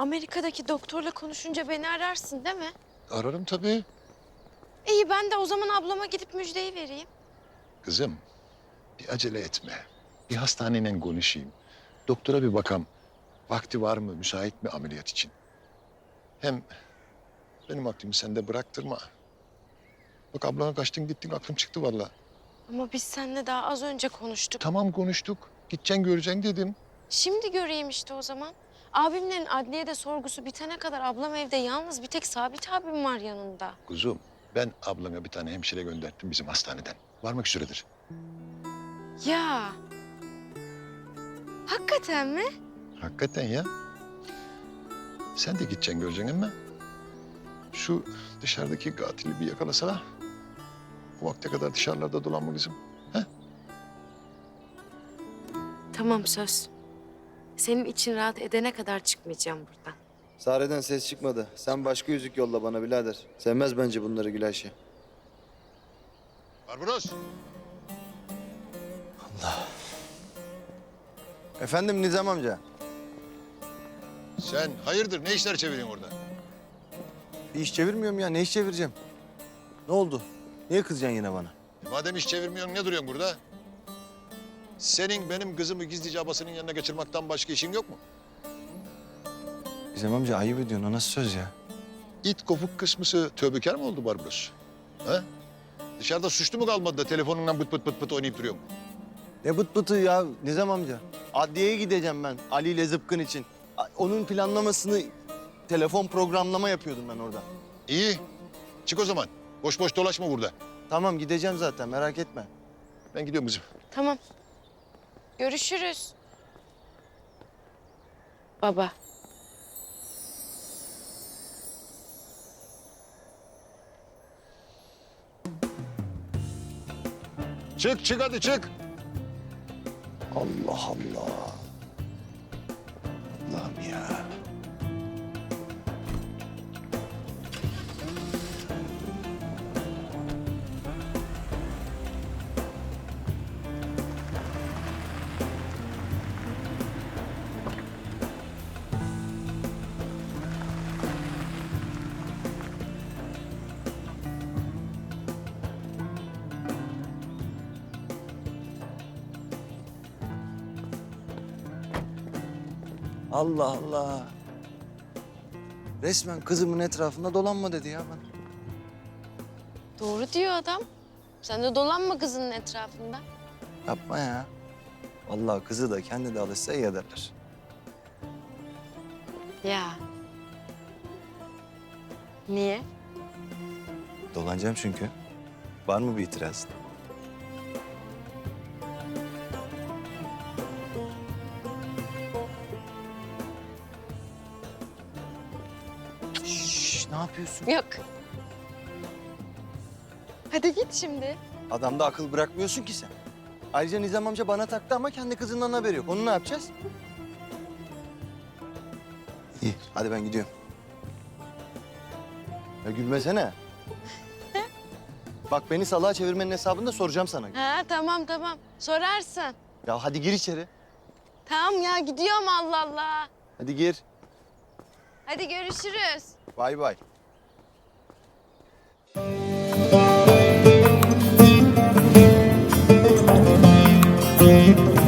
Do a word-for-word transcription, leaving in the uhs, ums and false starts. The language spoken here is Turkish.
Amerika'daki doktorla konuşunca beni ararsın değil mi? Ararım tabii. İyi, ben de o zaman ablama gidip müjdeyi vereyim. Kızım, bir acele etme. Bir hastaneyle konuşayım. Doktora bir bakam. Vakti var mı, müsait mi ameliyat için? Hem benim aklımı sende bıraktırma. Bak ablana kaçtın gittin, aklım çıktı vallahi. Ama biz seninle daha az önce konuştuk. Tamam konuştuk. Gideceksin göreceksin dedim. Şimdi göreyim işte o zaman. Abimlerin adliyede sorgusu bitene kadar ablam evde yalnız, bir tek Sabit abim var yanında. Kuzum, ben ablana bir tane hemşire gönderdim bizim hastaneden. Varmak üzeredir. Ya. Hakikaten mi? Hakikaten ya. Sen de gideceksin göreceksin ama şu dışarıdaki katili bir yakalasana. Bu vakte kadar dışarılarda dolanma kızım. He? Tamam, söz. Senin için rahat edene kadar çıkmayacağım buradan. Sare'den ses çıkmadı. Sen başka yüzük yolla bana birader. Sevmez bence bunları Gülayşe. Barbaros. Efendim Nizam amca. Sen hayırdır ne işler çeviriyorsun orada? Bir iş çevirmiyorum ya. Ne iş çevireceğim? Ne oldu? Niye kızacaksın yine bana? E madem iş çevirmiyorsun ne duruyorsun burada? Senin benim kızımı gizlice abasının yanına geçirmekten başka işin yok mu? Nizam amca ayıp ediyorsun. O nasıl söz ya? İt kopuk kısmısı tövbekar mı oldu Barbaros? Ha? Dışarıda suçlu mu kalmadı da telefonundan bıt bıt bıt bıt oynayıp duruyor mu? Ne bıt bıtı ya Nizam amca? Adliyeye gideceğim ben Ali ile Zıpkın için. A- Onun planlamasını telefon programlama yapıyordum ben orada. İyi. Çık o zaman. Boş boş dolaşma burada. Tamam gideceğim zaten merak etme. Ben gidiyorum kızım. Tamam. Görüşürüz. Baba. Çık çık hadi çık. Allah Allah. Allah'ım ya. Allah Allah. Resmen kızımın etrafında dolanma dedi ya bana. Doğru diyor adam. Sen de dolanma kızının etrafında. Yapma ya. Vallahi kızı da kendi de alışsa iyi ederler. Ya. Niye? Dolanacağım çünkü. Var mı bir itirazın? Şşş, ne yapıyorsun? Yok. Hadi git şimdi. Adamda akıl bırakmıyorsun ki sen. Ayrıca Nizam amca bana taktı ama kendi kızından haberi yok. Onu ne yapacağız? İyi, hadi ben gidiyorum. Ya gülmesene. Bak beni salağa çevirmenin hesabını da soracağım sana. Ha, tamam tamam. Sorarsın. Ya hadi gir içeri. Tamam ya, gidiyorum Allah Allah. Hadi gir. Hadi görüşürüz. Bay bay. Thank you.